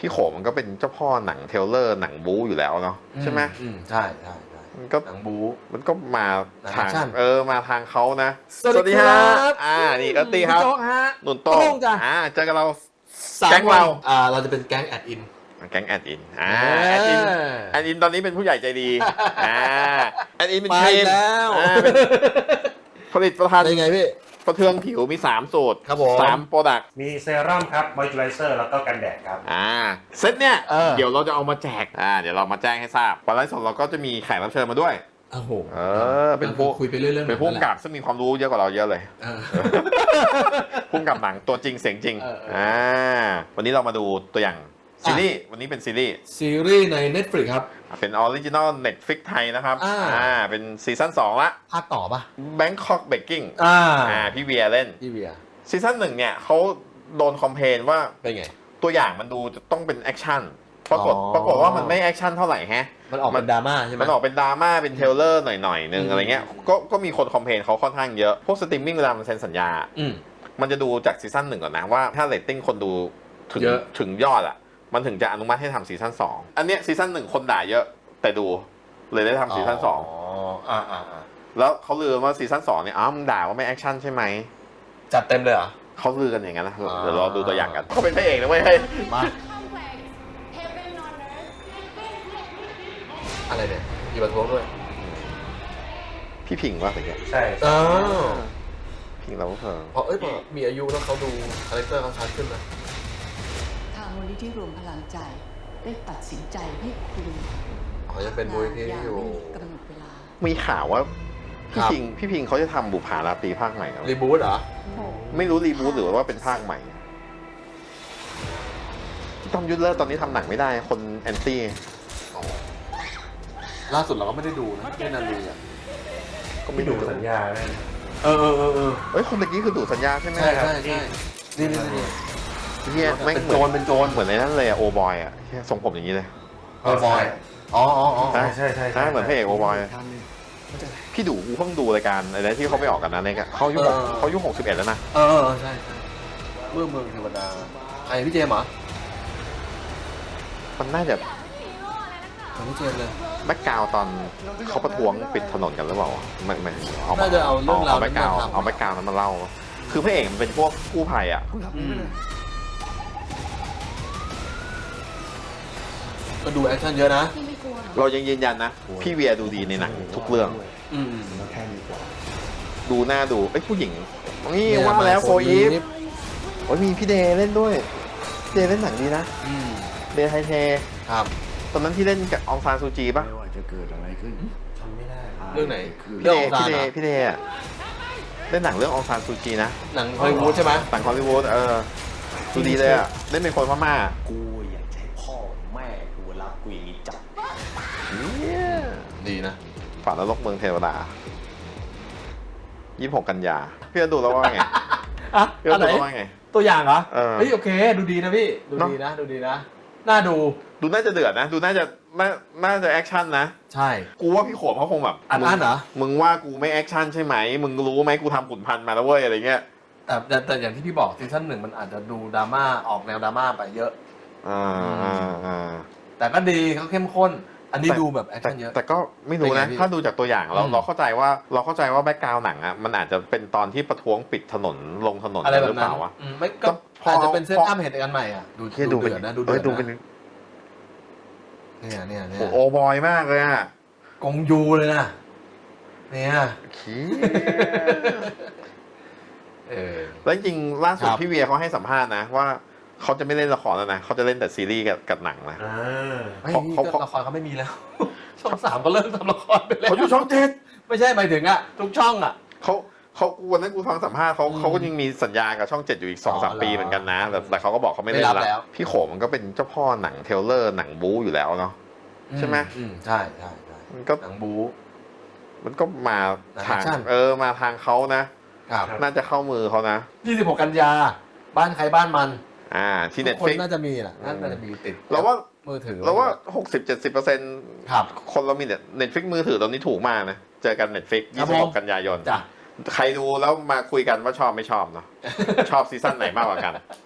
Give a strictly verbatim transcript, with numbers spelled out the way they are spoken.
พี่โขมมันก็เป็นเจ้าพ่อหนังเทรลเลอร์หนังบู๊อยู่แล้วเนาะใช่ไหมอืมใช่ใช่ใช่มันก็หนังบู๊มันก็มาทางหนังแอคชั่นเออมาทางเขานะสวัสดีครับอ่านี่ก็ตีครับพี่โจ๊กฮะหนุนโต้โต้งจ้ะอ่าเจอกันเราสามแก๊งเราวันอ่าเราจะเป็นแก๊งแอดอินแก๊งแอดอินอ่าแอดอินแอดอินตอนนี้เป็นผู้ใหญ่ใจดีอ่าแอดอินเป็นมาครีอีมกแล้วอ่าเป็นผลิตภัณฑ์เป็นไงพี่ประเทืองผิวมีสามสูตรครับผมสามโปรดักต์มีเซรั่มครับ มอยส์เจอไรเซอร์ แล้วก็กันแดดครับอ่าเซตเนี่ยเออเดี๋ยวเราจะเอามาแจกอ่าเดี๋ยวเรามาแจ้งให้ทราบวันไลฟ์สดเราก็จะมีแขกรับเชิญมาด้วยโอ้โหเออเป็นผู้คุยไปเรื่อยๆเป็นผู้กำกับซึ่งมีความรู้เยอะกว่าเราเยอะเลยเออผู้กำกับหนังตัวจริงเสียงจริงเออเอออ่อ่าวันนี้เรามาดูตัวอย่างซีรีส์วันนี้เป็นซีรีส์ซีรีส์ใน Netflix ครับเป็นออริจินอล Netflix ไทยนะครับอ่าอ่าเป็นซีซั่นสองละภาคต่อปะ Bangkok Baking อ่าอ่าพี่เวียเล่นพี่เวียซีซั่นหนึ่งเนี่ยเขาโดนคอมเพลนว่าเป็นไงตัวอย่างมันดูจะต้องเป็นแอคชั่นปรากฏอ๋อปรากฏว่ามันไม่แอคชั่นเท่าไหร่แฮะมันออกเป็นดราม่าใช่ไหมมันออกเป็นดราม่าเป็นเทรลเลอร์หน่อยๆนึงอืมอะไรเงี้ยก็ก็มีคนคอมเพลนเขาค่อนข้างเยอะ พวกสตรีมมิ่งเวลามันเซ็นสัญญาอืมมันจะดูจากซีซั่นหนึ่งก่อนนะว่าถ้าเรตติ้งคนดูถึงเยอะถึงยอดอ่ะ มันถึงจะอนุมัติให้ทำซีซั่นสองอันเนี้ยซีซั่นหนึ่งคนด่าเยอะแต่ดูเลยได้ทำซีซั่นสองอ๋ออ่าอ่าอ่าแล้วเขาลือว่าซีซั่นสองเนี่ยอ้าวมึงด่าว่าไม่แอคชั่นใช่ไหมจัดเต็มเลยเหรอเขาลือกันอย่างนั้นนะอ่าเดี๋ยวเราดูตัวอย่างกันเขาเป็นพระเอกนะเว้ยเฮ้ยมา complex heaven on earth อะไรเนี่ยมีประท้วงด้วยพี่พิงว่าอะไรเงี้ยใช่อ้าวพิงเราก็เพิ่มเพราะเอ้ยพอมีอายุแล้วเขาดูคาแรคเตอร์เขาชัดขึ้นนะทางมูลนิธิรวมพลังใจได้ตัดสินใจให้คุณอ๋อยังเป็นมูลนิธิอยู่กำหนดเวลามีข่าวว่าพี่ครับพิงพี่พิงเขาจะทำบุปผาราตรีภาคใหม่เหรอรีบูทเหรอไม่รู้รีบูทหรือว่าเป็นภาคใหม่พี่ต้อมยุทธเลิศตอนนี้ทำหนังไม่ได้คนแอนตี้ล่าสุดเราก็ไม่ได้ดูนะที่นาลีอ่ะก็ไม่ไม่ดูดูสัญญาเลยเออเออเออเออเอ้ยคนเมื่อกี้คือดูสัญญาใช่ไหมใช่ครับใช่ใช่นี่นี่นี่เฮียแม่งเป็นเหโจมืรอนเป็นโจรเหมือนในนั้นเลยอะโอบอยอะเหี้ยทรงผมอย่างนี้เลยโอบอยอ๋ออ๋ออ๋อใช่ใช่ใช่ใช่เหมือนพระเอกโอบอยพี่ดูกูเพิ่งดูรายการอะไรที่เขาไม่ออกกันนะเนี่ยเขาอายุหกเขาอายุหกสิบเอ็ดแล้วนะเออเออใช่ใช่เมื่อเมืองเทวดาใครพี่เจมส์เหรอมันน่าจะของพี่เจมส์เลยแบ็กกราวตอนเขาประท้วงปิดถนนกันหรือเปล่าไม่ไม่เอาน่าจะเอาเรื่องราวแบ็กกราวนั้นมาทำเอาแบ็กกราวนั้นมาเล่า คือพระเอกมันเป็นพวกกู้ภัยอะอืมก็ดูแอคชั่นเยอะนะที่ไม่กลัวหรอกเรายังยืนยันนะ พี่เวียดูดีในหนังทุกเรื่องอืมดูหน้าดูเอ้ยผู้หญิงนี่ว่ามาแล้วโฟอีฟโอ้ยมีพี่เดย์เล่นด้วยพี่เดย์เล่นหนังดีนะอืมเดย์ไทเทครับตอนนั้นที่เล่นกับอองซานซูจีป่ะไม่ว่าจะเกิดอะไรขึ้นทำไม่ได้เรื่องไหนคือพี่เรื่องเดขย์องซานพี่เดเหรอย์พี่เดย์อะเล่นหนังเรื่องอองซานซูจีนะหนังฮอลลีวูดใช่ไหมหนังฮอลลีวูดเออดูดีเลยอะเล่นเป็นคนพม่ากูอยากจะให้พ่อแม่กูรักกูอย่างนี้จับเนี่ยดีนะฝันนรกเมืองเทวดายี่สิบหกกันยาพี่จะดูแล้วว่าไงอ่ะพี่อัจะนดูไหนแล้วว่าไงตัวอย่างเหรอเออเฮ้ยโอเค ดูดีนะพี่ ดูเนอะดีนะ ดูดีนะ น่าดูดูน่าจะเดือดนะ ดูน่าจะน่าน่าจะแอคชั่นนะใช่กูว่าพี่โขมเขาคงแบบอัดอั้นเหรอมึงว่ากูไม่แอคชั่นใช่ไหม มึงรู้ไหมกูทำขุนพันธุ์มาแล้วเว้ยอะไรเงี้ยแต่แต่แต่อย่างที่พี่บอกซีซั่นหนึ่งมันอาจจะดูดราม่าออกแนวดราม่าไปเยอะอ่าอ่าอ่าแต่ก็ดีเขาเข้มข้น อันนี้แต่ดูแบบแอคแต่ชั่นเยอะแต่ก็ไม่รู้เป็นนะไงพี่ถ้าดูจากตัวอย่างเราอืมเราเข้าใจว่าเราเข้าใจว่าแบ็กกราวหนังอ่ะมันอาจจะเป็นตอนที่ประท้วงปิดถนนลงถนนอะไรแบหรืบอเปนั้นล่าวะอืมไม่ก็ก็พออาจจะเป็นเซตพออัพเหตุการณ์ใหม่อ่ะ ดูเฮียดูดูเป็นเดือดนะดูเอ้เดืยอดดูเป็นนะเนี่ยเนี่ยเนี่โอ้ยโหโอบอยมากเลยอ่ะกงยูเลยนะเนี่ยขี้เออแล้วจริงๆล่าสุดครับพี่เวียเขาให้สัมภาษณ์นะว่าเขาจะไม่เล่นละครแล้วนะเขาจะเล่นแต่ซีรีส์กับกับหนังนะอ่าไม่เขานี่เขาก็ละครเขาไม่มีแล้ว ช่องสามก็เริ่มทำละครไปแล้วเขาอยู่ช่องเจ็ดไม่ใช่หมายถึงอ่ะทุกช่องอ่ะเขาเขาวันนั้นกูฟังสัมภาษณ์เขาอืมเขาก็ยังมีสัญญากับช่องเจ็ดอยู่อีกสองสามอ๋อเหรอปีเหมือนกันนะแต่แต่เขาก็บอกเขาไม่เล่นไม่รับแล้แล้ว วพี่โขมมันก็เป็นเจ้าพ่อหนังเทรลเลอร์หนังบู๊อยู่แล้วเนาะ ใช่ไหมอืมใช่ใช่ใช่มันก็หนังบู๊มันก็มาหนังทางแอคชั่นเออมาทางเขานะครับน่าจะเข้ามือเขานะยี่สิบหกกันยา บ้านใครบ้านมันอ่าที่ทุเน็กตคนฟิกน่าจะมีแหละน่าจะมีติดเราว่ามือถือเราว่าหกสิบเจ็ดสิบเปอร์เซ็นต์ครับคนเรามีเน็ตเน็ตฟิกมือถือตอนนี้ถูกมากนะ เจอกันเน็ตฟิกครัยี่บสิบหผกมกันยายนจ้ะใครดูแล้วมาคุยกันว่าชอบไม่ชอบเนาะ ชอบซีซั่นไหนมากกว่ากัน